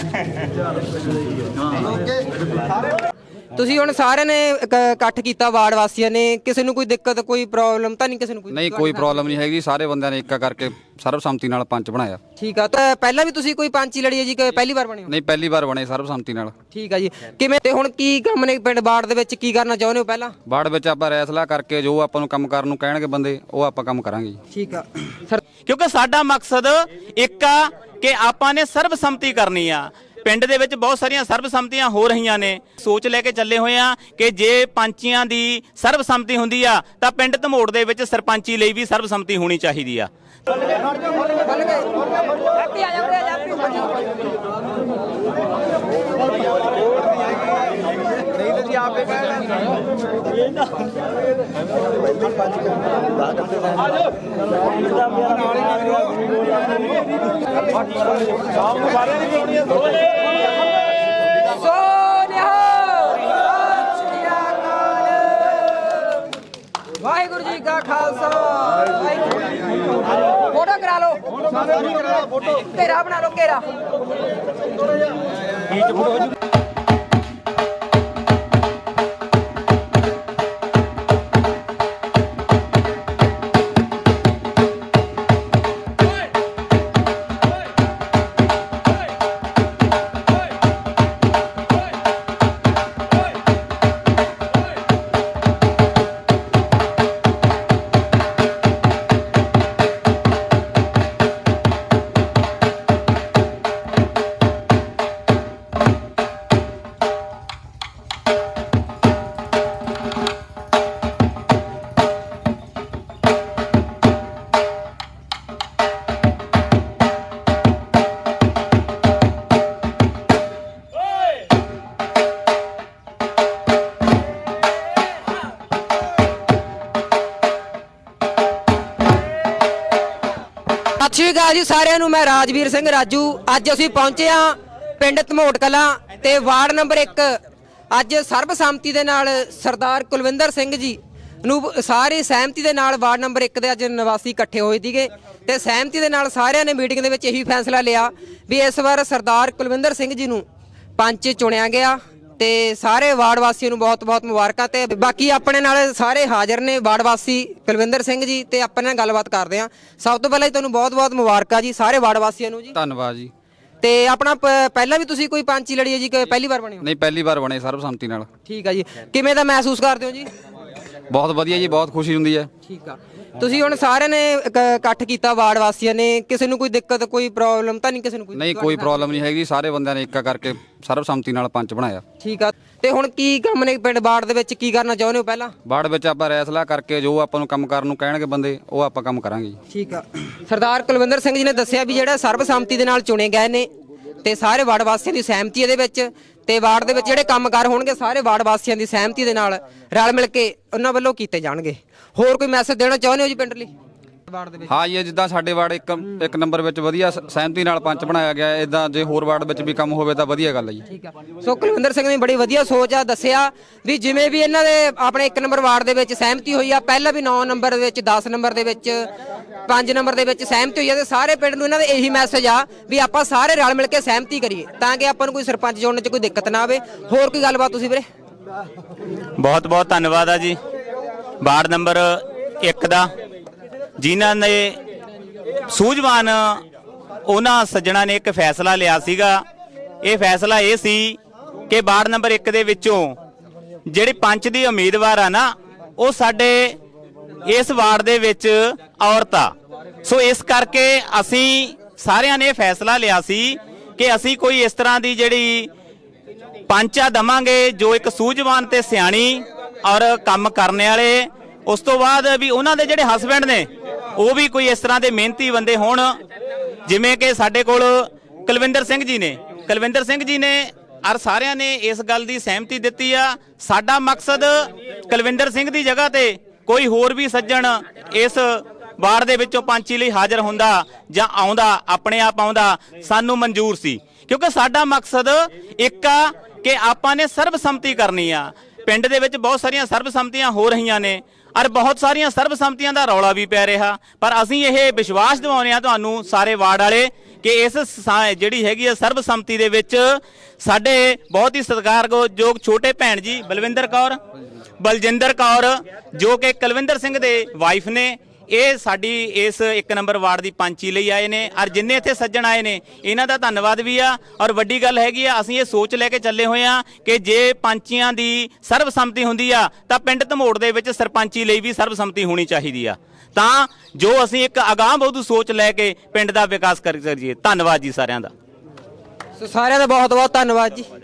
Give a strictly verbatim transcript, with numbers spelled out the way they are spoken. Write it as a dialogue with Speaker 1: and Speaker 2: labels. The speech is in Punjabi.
Speaker 1: ਤੁਸੀਂ ਹੁਣ ਸਾਰਿਆਂ ਨੇ ਇਕੱਠ ਕੀਤਾ ਵਾਰਡ ਵਾਸੀਆਂ ਨੇ, ਕਿਸੇ ਨੂੰ ਕੋਈ ਦਿੱਕਤ ਕੋਈ ਪ੍ਰੋਬਲਮ ਤਾਂ ਨਹੀਂ? ਕਿਸੇ ਨੂੰ ਕੋਈ
Speaker 2: ਨਹੀਂ, ਕੋਈ ਪ੍ਰੋਬਲਮ ਨਹੀਂ ਹੈਗੀ। ਸਾਰੇ ਬੰਦਿਆਂ ਨੇ ਇੱਕਾ ਕਰਕੇ ਸਰਬਸੰਮਤੀ ਨਾਲ ਪੰਚ ਬਣਾਇਆ।
Speaker 1: ਠੀਕ ਆ। ਤਾਂ ਪਹਿਲਾਂ ਵੀ ਤੁਸੀਂ ਕੋਈ ਪੰਚ ਹੀ ਲੜੀ ਹੈ ਜੀ ਕਿ ਪਹਿਲੀ ਵਾਰ ਬਣੇ ਹੋ?
Speaker 2: ਨਹੀਂ, ਪਹਿਲੀ ਵਾਰ ਬਣੇ ਸਰਬਸੰਮਤੀ ਨਾਲ।
Speaker 1: ਠੀਕ ਆ ਜੀ। ਕਿਵੇਂ ਤੇ ਹੁਣ ਕੀ ਕੰਮ ਨੇ ਪਿੰਡ ਵਾਰਡ ਦੇ ਵਿੱਚ, ਕੀ ਕਰਨਾ ਚਾਹੁੰਦੇ ਹੋ? ਪਹਿਲਾਂ
Speaker 2: ਵਾਰਡ ਵਿੱਚ ਆਪਾਂ ਰੈਸਲਾ ਕਰਕੇ ਜੋ ਆਪਾਂ ਨੂੰ ਕੰਮ ਕਰਨ ਨੂੰ ਕਹਿਣਗੇ ਬੰਦੇ, ਉਹ ਆਪਾਂ ਕੰਮ ਕਰਾਂਗੇ ਜੀ।
Speaker 1: ਠੀਕ ਆ ਸਰ।
Speaker 3: ਕਿਉਂਕਿ ਸਾਡਾ ਮਕਸਦ ਇੱਕ ਆ ਕਿ ਆਪਾਂ ਨੇ ਸਰਬਸੰਮਤੀ ਕਰਨੀ ਆ। ਪਿੰਡ ਦੇ ਵਿੱਚ ਬਹੁਤ ਸਾਰੀਆਂ ਸਰਬਸੰਮਤੀਆਂ ਹੋ ਰਹੀਆਂ ਨੇ। ਸੋਚ ਲੈ ਕੇ ਚੱਲੇ ਹੋਏ ਆ ਕਿ ਜੇ ਪੰਚੀਆਂ ਦੀ ਸਰਬਸੰਮਤੀ ਹੁੰਦੀ ਆ ਤਾਂ ਪਿੰਡ ਧਮੋੜ ਦੇ ਵਿੱਚ ਸਰਪੰਚੀ ਲਈ ਵੀ ਸਰਬਸੰਮਤੀ ਹੋਣੀ ਚਾਹੀਦੀ ਆ।
Speaker 1: ਵਾਹਿਗੁਰੂ ਜੀ ਕਾ ਖਾਲਸਾ, ਵਾਹਿਗੁਰੂ ਜੀ ਕੀ ਫਤਿਹ। ਫੋਟੋ ਕਰਾ ਲਓ, ਘੇਰਾ ਬਣਾ ਲਓ, ਘੇਰਾ। ਸਤਿ ਸ਼੍ਰੀ ਅਕਾਲ ਜੀ ਸਾਰਿਆਂ ਨੂੰ। ਮੈਂ ਰਾਜਵੀਰ ਸਿੰਘ ਰਾਜੂ। ਅੱਜ ਅਸੀਂ ਪਹੁੰਚੇ ਹਾਂ ਪਿੰਡ ਧਮੋਟ ਕਲਾਂ ਤੇ ਵਾਰਡ ਨੰਬਰ ਇੱਕ। ਅੱਜ ਸਰਬਸੰਮਤੀ ਦੇ ਨਾਲ ਸਰਦਾਰ ਕੁਲਵਿੰਦਰ ਸਿੰਘ ਜੀ ਨੂੰ ਸਾਰੀ ਸਹਿਮਤੀ ਦੇ ਨਾਲ ਵਾਰਡ ਨੰਬਰ ਇੱਕ ਦੇ ਅੱਜ ਨਿਵਾਸੀ ਇਕੱਠੇ ਹੋਏ ਸੀਗੇ ਤੇ ਸਹਿਮਤੀ ਦੇ ਨਾਲ ਸਾਰਿਆਂ ਨੇ ਮੀਟਿੰਗ ਦੇ ਵਿੱਚ ਇਹੀ ਫੈਸਲਾ ਲਿਆ ਵੀ ਇਸ ਵਾਰ ਸਰਦਾਰ ਕੁਲਵਿੰਦਰ ਸਿੰਘ ਜੀ ਨੂੰ ਪੰਚ ਚੁਣਿਆ ਗਿਆ ਤੇ ਸਾਰੇ ਵਾਰਡ ਵਾਸੀਆਂ ਨੂੰ ਬਹੁਤ ਬਹੁਤ ਮੁਬਾਰਕਾਂ। ਤੇ ਬਾਕੀ ਆਪਣੇ ਨਾਲ ਸਾਰੇ ਹਾਜ਼ਰ ਨੇ ਵਾਰਡ ਵਾਸੀ ਕੁਲਵਿੰਦਰ ਸਿੰਘ ਜੀ ਤੇ ਆਪਣੇ ਨਾਲ ਗੱਲਬਾਤ ਕਰਦੇ ਹਾਂ। ਸਭ ਤੋਂ ਪਹਿਲਾਂ ਤੁਹਾਨੂੰ ਬਹੁਤ ਬਹੁਤ ਮੁਬਾਰਕਾਂ ਜੀ ਸਾਰੇ ਵਾਰਡ ਵਾਸੀਆਂ ਨੂੰ ਜੀ।
Speaker 2: ਧੰਨਵਾਦ ਜੀ।
Speaker 1: ਤੇ ਆਪਣਾ ਪਹਿਲਾਂ ਵੀ ਤੁਸੀਂ ਕੋਈ ਪੰਚ ਹੀ ਲੜੀ ਹੈ ਜੀ ਕਿ ਪਹਿਲੀ ਵਾਰ ਬਣੇ ਹੋ?
Speaker 2: ਨਹੀਂ, ਪਹਿਲੀ ਵਾਰ ਬਣੇ ਸਰਬਸੰਮਤੀ ਨਾਲ।
Speaker 1: ਠੀਕ ਆ ਜੀ। ਕਿਵੇਂ ਦਾ ਮਹਿਸੂਸ ਕਰਦੇ ਹੋ ਜੀ?
Speaker 2: ਬਹੁਤ ਵਧੀਆ ਜੀ, ਬਹੁਤ ਖੁਸ਼ੀ ਹੁੰਦੀ ਹੈ।
Speaker 1: ਠੀਕ ਆ। ਤੁਸੀਂ ਹੁਣ ਸਾਰਿਆਂ ਨੇ ਇਕੱਠ ਕੀਤਾ ਵਾਰਡ ਵਾਸੀਆਂ ਨੇ, ਕਿਸੇ ਨੂੰ ਕੋਈ ਦਿੱਕਤ ਕੋਈ ਪ੍ਰੋਬਲਮ ਤਾਂ ਨਹੀਂ? ਕਿਸੇ ਨੂੰ ਕੋਈ
Speaker 2: ਨਹੀਂ, ਕੋਈ ਪ੍ਰੋਬਲਮ ਨਹੀਂ ਹੈਗੀ। ਸਾਰੇ ਬੰਦਿਆਂ ਨੇ ਇੱਕਾ ਕਰਕੇ ਸਰਬਸੰਮਤੀ ਨਾਲ ਪੰਚ ਬਣਾਇਆ।
Speaker 1: ਠੀਕ ਆ। ਤੇ ਹੁਣ ਕੀ ਕੰਮ ਨੇ ਪਿੰਡ ਵਾਰਡ ਦੇ ਵਿੱਚ, ਕੀ ਕਰਨਾ ਚਾਹੁੰਦੇ ਹੋ? ਪਹਿਲਾਂ
Speaker 2: ਵਾਰਡ ਵਿੱਚ ਆਪਾਂ ਰੈਸਲਾ ਕਰਕੇ ਜੋ ਆਪਾਂ ਨੂੰ ਕੰਮ ਕਰਨ ਨੂੰ ਕਹਿਣਗੇ ਬੰਦੇ, ਉਹ ਆਪਾਂ ਕੰਮ ਕਰਾਂਗੇ ਜੀ।
Speaker 1: ਠੀਕ ਆ। ਸਰਦਾਰ ਕੁਲਵਿੰਦਰ ਸਿੰਘ ਜੀ ਨੇ ਦੱਸਿਆ ਵੀ ਜਿਹੜਾ ਸਰਬਸੰਮਤੀ ਦੇ ਨਾਲ ਚੁਣੇ ਗਏ ਨੇ ਤੇ ਸਾਰੇ ਵਾਰਡ ਵਾਸੀਆਂ ਦੀ ਸਹਿਮਤੀ ਇਹਦੇ ਵਿੱਚ, ਤੇ ਵਾਰਡ ਦੇ ਵਿੱਚ ਜਿਹੜੇ ਕੰਮਕਾਰ ਹੋਣਗੇ ਸਾਰੇ ਵਾਰਡ ਵਾਸੀਆਂ ਦੀ ਸਹਿਮਤੀ ਦੇ ਨਾਲ ਰਲ ਮਿਲ ਕੇ ਉਹਨਾਂ ਵੱਲੋਂ ਕੀਤੇ ਜਾਣਗੇ। ਹੋਰ ਕੋਈ ਮੈਸੇਜ ਦੇਣਾ ਚਾਹੁੰਦੇ ਹੋ ਜੀ ਪਿੰਡ ਲਈ? ਵਾਰਡ ਦੇ ਵਿੱਚ
Speaker 2: ਹਾਂ ਜੀ, ਜਿੱਦਾਂ ਸਾਡੇ ਵਾਰਡ ਇੱਕ ਇੱਕ ਨੰਬਰ ਵਿੱਚ ਵਧੀਆ ਸਹਿਮਤੀ ਨਾਲ ਪੰਚ ਬਣਾਇਆ ਗਿਆ, ਇਦਾਂ ਜੇ ਹੋਰ ਵਾਰਡ ਵਿੱਚ ਵੀ ਕੰਮ ਹੋਵੇ ਤਾਂ ਵਧੀਆ ਗੱਲ ਹੈ ਜੀ।
Speaker 1: ਠੀਕ ਆ। ਸੋ ਕੁਲਵਿੰਦਰ ਸਿੰਘ ਨੇ ਬੜੀ ਵਧੀਆ ਸੋਚ ਆ, ਦੱਸਿਆ ਵੀ ਜਿਵੇਂ ਵੀ ਇਹਨਾਂ ਦੇ ਆਪਣੇ ਇੱਕ ਨੰਬਰ ਵਾਰਡ ਦੇ ਵਿੱਚ ਸਹਿਮਤੀ ਹੋਈ ਆ, ਪਹਿਲਾਂ ਵੀ ਨੌ ਨੰਬਰ ਦੇ ਵਿੱਚ, ਦਸ ਨੰਬਰ ਦੇ ਵਿੱਚ, ਪੰਜ ਨੰਬਰ ਦੇ ਵਿੱਚ ਸਹਿਮਤੀ ਹੋਈ ਆ, ਤੇ ਸਾਰੇ ਪਿੰਡ ਨੂੰ ਇਹਨਾਂ ਦੇ ਇਹੀ ਮੈਸੇਜ ਆ ਵੀ ਆਪਾਂ ਸਾਰੇ ਰਲ ਮਿਲ ਕੇ ਸਹਿਮਤੀ ਕਰੀਏ ਤਾਂ ਕਿ ਆਪਾਂ ਨੂੰ ਕੋਈ ਸਰਪੰਚ ਚੁਣਨ 'ਚ ਕੋਈ ਦਿੱਕਤ ਨਾ ਆਵੇ। ਹੋਰ ਕੋਈ ਗੱਲਬਾਤ ਤੁਸੀਂ ਵੀਰੇ?
Speaker 3: ਬਹੁਤ ਬਹੁਤ ਧੰਨਵਾਦ ਆ ਜੀ ਵਾਰਡ ਨੰਬਰ ਇੱਕ ਦਾ, ਜਿਨ੍ਹਾਂ ਨੇ ਸੂਝਵਾਨ ਉਹਨਾਂ ਸੱਜਣਾ ਨੇ ਇੱਕ ਫੈਸਲਾ ਲਿਆ ਸੀਗਾ। ਇਹ ਫੈਸਲਾ ਇਹ ਸੀ ਕਿ ਵਾਰਡ ਨੰਬਰ ਇੱਕ ਦੇ ਵਿੱਚੋਂ ਜਿਹੜੇ ਪੰਚ ਦੀ ਉਮੀਦਵਾਰ ਆ ਨਾ, ਉਹ ਸਾਡੇ ਇਸ ਵਾਰਡ ਦੇ ਵਿੱਚ ਔਰਤ ਆ। ਸੋ ਇਸ ਕਰਕੇ ਅਸੀਂ ਸਾਰਿਆਂ ਨੇ ਫੈਸਲਾ ਲਿਆ ਸੀ ਕਿ ਅਸੀਂ ਕੋਈ ਇਸ ਤਰ੍ਹਾਂ ਦੀ ਜਿਹੜੀ ਪੰਚਾ ਦਵਾਂਗੇ ਜੋ ਇੱਕ ਸੂਝਵਾਨ ਤੇ ਸਿਆਣੀ ਔਰ ਕੰਮ ਕਰਨ ਵਾਲੇ, ਉਸ ਤੋਂ ਬਾਅਦ ਵੀ ਉਹਨਾਂ ਦੇ ਜਿਹੜੇ ਹਸਬੈਂਡ ਨੇ ਉਹ ਵੀ ਕੋਈ ਇਸ ਤਰ੍ਹਾਂ ਦੇ ਮਿਹਨਤੀ ਬੰਦੇ ਹੋਣ, ਜਿਵੇਂ ਕਿ ਸਾਡੇ ਕੋਲ ਕੁਲਵਿੰਦਰ ਸਿੰਘ ਜੀ ਨੇ। ਕੁਲਵਿੰਦਰ ਸਿੰਘ ਜੀ ਨੇ ਔਰ ਸਾਰਿਆਂ ਨੇ ਇਸ ਗੱਲ ਦੀ ਸਹਿਮਤੀ ਦਿੱਤੀ ਆ। ਸਾਡਾ ਮਕਸਦ ਕੁਲਵਿੰਦਰ ਸਿੰਘ ਦੀ ਜਗ੍ਹਾ ਤੇ ਕੋਈ ਹੋਰ ਵੀ ਸੱਜਣ ਇਸ ਵਾਰਡ ਦੇ ਵਿੱਚੋਂ ਪੰਚੀ ਲਈ ਹਾਜ਼ਰ ਹੁੰਦਾ ਜਾਂ ਆਉਂਦਾ, ਆਪਣੇ ਆਪ ਆਉਂਦਾ, ਸਾਨੂੰ ਮਨਜ਼ੂਰ ਸੀ। ਕਿਉਂਕਿ ਸਾਡਾ ਮਕਸਦ ਇੱਕ ਆ ਕਿ ਆਪਾਂ ਨੇ ਸਰਬਸੰਮਤੀ ਕਰਨੀ ਆ। ਪਿੰਡ ਦੇ ਵਿੱਚ ਬਹੁਤ ਸਾਰੀਆਂ ਸਰਬਸੰਮਤੀਆਂ ਹੋ ਰਹੀਆਂ ਨੇ। ਔਰ ਬਹੁਤ ਸਾਰੀਆਂ ਸਰਬਸੰਮਤੀਆਂ ਦਾ ਰੌਲਾ ਵੀ ਪੈ ਰਿਹਾ, ਪਰ ਅਸੀਂ ਇਹ ਵਿਸ਼ਵਾਸ ਦਿਵਾਉਂਦੇ ਹਾਂ ਤੁਹਾਨੂੰ ਸਾਰੇ ਵਾਰਡ ਵਾਲੇ ਕਿ ਇਸ ਸਾ- ਜਿਹੜੀ ਹੈਗੀ ਆ ਸਰਬਸੰਮਤੀ ਦੇ ਵਿੱਚ ਸਾਡੇ ਬਹੁਤ ਹੀ ਸਤਿਕਾਰਯੋਗ ਛੋਟੇ ਭੈਣ ਜੀ ਬਲਵਿੰਦਰ ਕੌਰ ਬਲਜਿੰਦਰ ਕੌਰ ਜੋ ਕਿ ਕੁਲਵਿੰਦਰ ਸਿੰਘ ਦੇ ਵਾਈਫ ਨੇ, ਇਹ ਸਾਡੀ ਇਸ ਇੱਕ ਨੰਬਰ ਵਾਰਡ ਦੀ ਪੰਚੀ ਲਈ ਆਏ ਨੇ। ਔਰ ਜਿੰਨੇ ਇੱਥੇ ਸੱਜਣ ਆਏ ਨੇ ਇਹਨਾਂ ਦਾ ਧੰਨਵਾਦ ਵੀ ਆ। ਔਰ ਵੱਡੀ ਗੱਲ ਹੈਗੀ ਆ, ਅਸੀਂ ਇਹ ਸੋਚ ਲੈ ਕੇ ਚੱਲੇ ਹੋਏ ਆ ਕਿ ਜੇ ਪੰਚੀਆਂ ਦੀ ਸਰਬਸੰਮਤੀ ਹੁੰਦੀ ਆ ਤਾਂ ਪਿੰਡ ਧਮੋੜ ਦੇ ਵਿੱਚ ਸਰਪੰਚੀ ਲਈ ਵੀ ਸਰਬਸੰਮਤੀ ਹੋਣੀ ਚਾਹੀਦੀ ਆ, ਤਾਂ ਜੋ ਅਸੀਂ ਇੱਕ ਅਗਾਂਹ ਵਧੂ ਸੋਚ ਲੈ ਕੇ ਪਿੰਡ ਦਾ ਵਿਕਾਸ ਕਰ ਸਕੀਏ। ਧੰਨਵਾਦ ਜੀ ਸਾਰਿਆਂ ਦਾ।
Speaker 1: ਸੋ ਸਾਰਿਆਂ ਦਾ ਬਹੁਤ ਬਹੁਤ ਧੰਨਵਾਦ ਜੀ।